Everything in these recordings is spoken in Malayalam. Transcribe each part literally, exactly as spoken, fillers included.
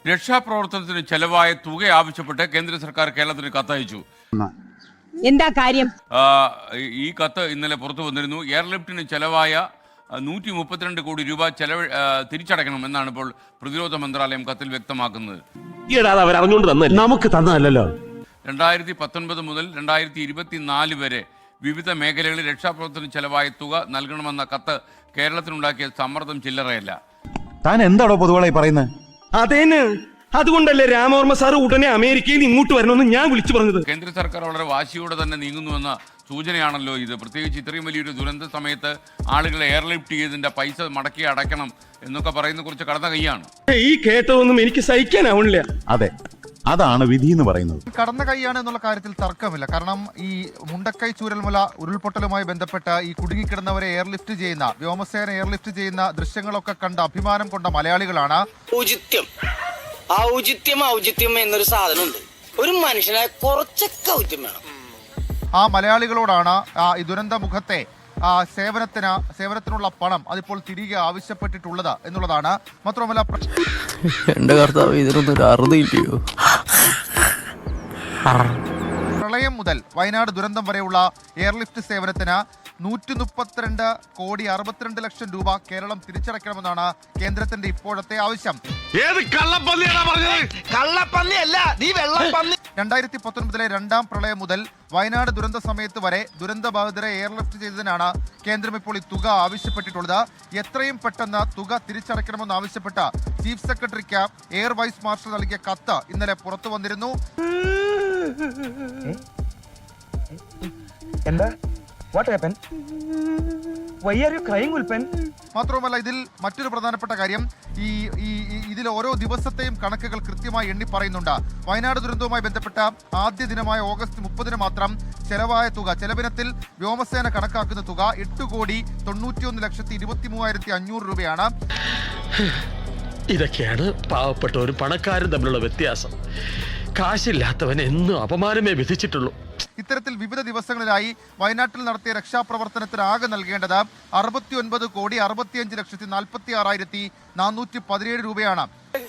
രക്ഷാപ്രവർത്തനത്തിന് ചെലവായ തുക ആവശ്യപ്പെട്ട് കേന്ദ്ര സർക്കാർ കേരളത്തിന് കത്തയച്ചു. എന്താ കാര്യം? ഈ കത്ത് ഇന്നലെ പുറത്തു വന്നിരുന്നു. എയർലിഫ്റ്റിന് ചെലവായ നൂറ്റി മുപ്പത്തിരണ്ട് കോടി രൂപ ചെലവ് തിരിച്ചടയ്ക്കണം എന്നാണ് ഇപ്പോൾ പ്രതിരോധ മന്ത്രാലയം കത്തിൽ വ്യക്തമാക്കുന്നത്. നമുക്ക് തന്നതല്ലോ. രണ്ടായിരത്തി പത്തൊൻപത് മുതൽ രണ്ടായിരത്തി ഇരുപത്തിനാല് വരെ വിവിധ മേഖലകളിൽ രക്ഷാപ്രവർത്തനത്തിന് ചെലവായ തുക നൽകണമെന്ന കത്ത് കേരളത്തിനുണ്ടാക്കിയ സമ്മർദ്ദം ചില്ലറയല്ല. താൻ എന്താണോ പൊതുവാളായി പറയുന്നത്? അതേന്ന് അതുകൊണ്ടല്ലേ രാമവർമ്മ സാർ ഉടനെ അമേരിക്കയിൽ ഇങ്ങോട്ട് വരണമെന്ന് ഞാൻ വിളിച്ചു പറഞ്ഞത്. കേന്ദ്ര സർക്കാർ വളരെ വാശിയോടെ തന്നെ നീങ്ങുന്നുവെന്ന സൂചനയാണല്ലോ ഇത്. പ്രത്യേകിച്ച് ഇത്രയും വലിയൊരു ദുരന്ത സമയത്ത് ആളുകളെ എയർലിഫ്റ്റ് ചെയ്തതിന്റെ പൈസ മടക്കി അടയ്ക്കണം എന്നൊക്കെ പറയുന്ന കുറിച്ച് കടന്ന കൈയാണ്. ഈ കേട്ടതൊന്നും എനിക്ക് സഹിക്കാനാവണില്ല. അതെ, അതാണ് വിധി എന്ന് പറയുന്നത്. കടന്ന കൈയാണ് എന്നുള്ള കാര്യത്തിൽ തർക്കമില്ല. കാരണം ഈ മുണ്ടക്കൈ ചൂരൽമല ഉരുൾപൊട്ടലുമായി ബന്ധപ്പെട്ട് ഈ കുടുങ്ങിക്കിടന്നവരെ എയർലിഫ്റ്റ് ചെയ്യുന്ന വ്യോമസേന എയർലിഫ്റ്റ് ചെയ്യുന്ന ദൃശ്യങ്ങളൊക്കെ കണ്ട് അഭിമാനം കൊണ്ട മലയാളികളാണ്. ഔചിത്യം ഔചിത്യം ഔചിത്യം എന്നൊരു സാധനമുണ്ട്. ഒരു മനുഷ്യനെ കുറച്ചൊക്കെ ഔചിത്യം വേണം. ആ മലയാളികളോടാണ് ഈ ദുരന്ത മുഖത്തെ സേവനത്തിന് സേവനത്തിനുള്ള പണം അതിപ്പോൾ തിരികെ ആവശ്യപ്പെട്ടിട്ടുള്ളത് എന്നുള്ളതാണ്. മാത്രമല്ല എന്റെ കർത്താവ് ഇതിനൊന്നും അറുതില്ലയോ. പ്രളയം മുതൽ വയനാട് ദുരന്തം വരെയുള്ള എയർലിഫ്റ്റ് സേവനത്തിന് നൂറ്റി മുപ്പത്തിരണ്ട് കോടി അറുപത്തിരണ്ട് ലക്ഷം രൂപ കേരളം തിരിച്ചടയ്ക്കണമെന്നാണ് കേന്ദ്രത്തിന്റെ ഇപ്പോഴത്തെ ആവശ്യം. രണ്ടായിരത്തി പത്തൊൻപതിലെ രണ്ടാം പ്രളയം മുതൽ വയനാട് ദുരന്ത സമയത്ത് വരെ ദുരന്തബാധിതരെ എയർലിഫ്റ്റ് ചെയ്തതിനാണ് കേന്ദ്രം ഇപ്പോൾ ഈ തുക ആവശ്യപ്പെട്ടിട്ടുള്ളത്. എത്രയും പെട്ടെന്ന് തുക തിരിച്ചടയ്ക്കണമെന്ന് ആവശ്യപ്പെട്ട ചീഫ് സെക്രട്ടറിക്ക് എയർ വൈസ് മാർഷൽ നൽകിയ കത്ത് ഇന്നലെ പുറത്തു വന്നിരുന്നു. എന്താ What happened? Why are you crying, Ulpen? മാത്രവുമല്ല, ഇതിൽ മറ്റൊരു പ്രധാനപ്പെട്ട കാര്യം, ഈ ഈ ഇതിൽ ഓരോ ദിവസത്തെയും കണക്കുകൾ കൃത്യമായി എണ്ണി പറയുന്നുണ്ട്. വയനാട് ദുരന്തവുമായി ബന്ധപ്പെട്ട ആദ്യ ദിനമായ ഓഗസ്റ്റ് മുപ്പതിന് മാത്രം ചെലവായ തുക, ചെലവിനത്തിൽ വ്യോമസേന കണക്കാക്കുന്ന തുക എട്ട് കോടി തൊണ്ണൂറ്റിയൊന്ന് ലക്ഷത്തി ഇരുപത്തി മൂവായിരത്തി അഞ്ഞൂറ് രൂപയാണ്. ഇതൊക്കെയാണ് പാവപ്പെട്ടവരും പണക്കാരും തമ്മിലുള്ള വ്യത്യാസം. കാശില്ലാത്തവൻ എന്നും അപമാനമേ വിധിച്ചിട്ടുള്ളൂ. ഇത്തരത്തിൽ വിവിധ ദിവസങ്ങളിലായി വയനാട്ടിൽ നടത്തിയ രക്ഷാപ്രവർത്തനത്തിന് ആകെ നൽകേണ്ടത് അറുപത്തി ഒൻപത് കോടി അറുപത്തിയഞ്ച് ലക്ഷത്തി നാൽപ്പത്തി ആറായിരത്തി നാനൂറ്റി പതിനേഴ് രൂപയാണ്.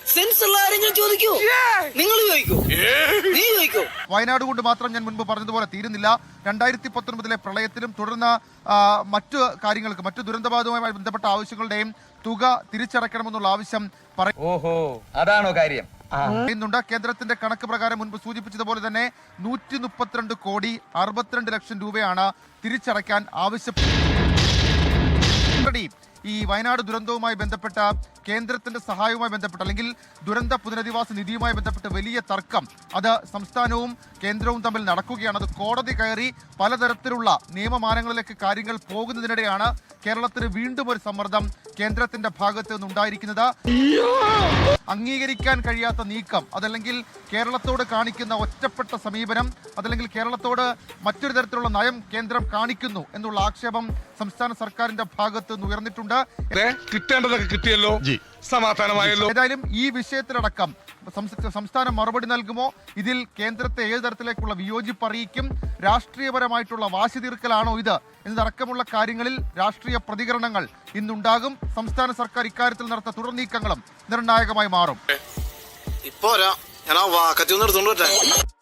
വയനാട് കൊണ്ട് മാത്രം ഞാൻ മുൻപ് പറഞ്ഞതുപോലെ തീരുന്നില്ല. രണ്ടായിരത്തി പത്തൊൻപതിലെ പ്രളയത്തിലും തുടർന്ന് മറ്റു കാര്യങ്ങൾക്ക് മറ്റു ദുരന്തബാധവുമായി ബന്ധപ്പെട്ട ആവശ്യങ്ങളുടെയും തുക തിരിച്ചടയ്ക്കണമെന്നുള്ള ആവശ്യം ഓഹോ അതാണോ കാര്യം പറയുന്നുണ്ട്. കേന്ദ്രത്തിന്റെ കണക്ക് പ്രകാരം മുൻപ് സൂചിപ്പിച്ചതുപോലെ തന്നെ നൂറ്റി മുപ്പത്തിരണ്ട് കോടി അറുപത്തിരണ്ട് ലക്ഷം രൂപയാണ് തിരിച്ചടയ്ക്കാൻ ആവശ്യപ്പെട്ടത്. ഈ വയനാട് ദുരന്തവുമായി ബന്ധപ്പെട്ട കേന്ദ്രത്തിന്റെ സഹായവുമായി ബന്ധപ്പെട്ട് അല്ലെങ്കിൽ ദുരന്ത പുനരധിവാസ നിധിയുമായി ബന്ധപ്പെട്ട് വലിയ തർക്കം അത് സംസ്ഥാനവും കേന്ദ്രവും തമ്മിൽ നടക്കുകയാണ്. അത് കോടതി കയറി പലതരത്തിലുള്ള നിയമമാനങ്ങളിലേക്ക് കാര്യങ്ങൾ പോകുന്നതിനിടെയാണ് കേരളത്തിന് വീണ്ടും ഒരു സമ്മർദ്ദം കേന്ദ്രത്തിന്റെ ഭാഗത്ത് നിന്നുണ്ടായിരിക്കുന്നത്. അംഗീകരിക്കാൻ കഴിയാത്ത നീക്കം അതല്ലെങ്കിൽ കേരളത്തോട് കാണിക്കുന്ന ഒറ്റപ്പെട്ട സമീപനം അതല്ലെങ്കിൽ കേരളത്തോട് മറ്റൊരു തരത്തിലുള്ള നയം കേന്ദ്രം കാണിക്കുന്നു എന്നുള്ള ആക്ഷേപം സംസ്ഥാന സർക്കാരിന്റെ ഭാഗത്ത് നിന്ന് ഉയർന്നിട്ടുണ്ട്. കിട്ടേണ്ടതൊക്കെ കിട്ടിയല്ലോ, സമാധാനമായല്ലോ. ഏതായാലും ഈ വിഷയത്തിലടക്കം സംസ്ഥാനം മറുപടി നൽകുമോ, ഇതിൽ കേന്ദ്രത്തെ ഏത് തരത്തിലേക്കുള്ള വിയോജിപ്പ് അറിയിക്കും, രാഷ്ട്രീയപരമായിട്ടുള്ള വാശി തീർക്കലാണോ ഇത് എന്നതടക്കമുള്ള കാര്യങ്ങളിൽ രാഷ്ട്രീയ പ്രതികരണങ്ങൾ ഇന്നുണ്ടാകും. സംസ്ഥാന സർക്കാർ ഇക്കാര്യത്തിൽ നടത്ത തുടർ നീക്കങ്ങളും നിർണായകമായി മാറും. ഇപ്പോ ഞാൻ ആ വാക്കത്തി ഒന്ന് എടുത്തോണ്ട്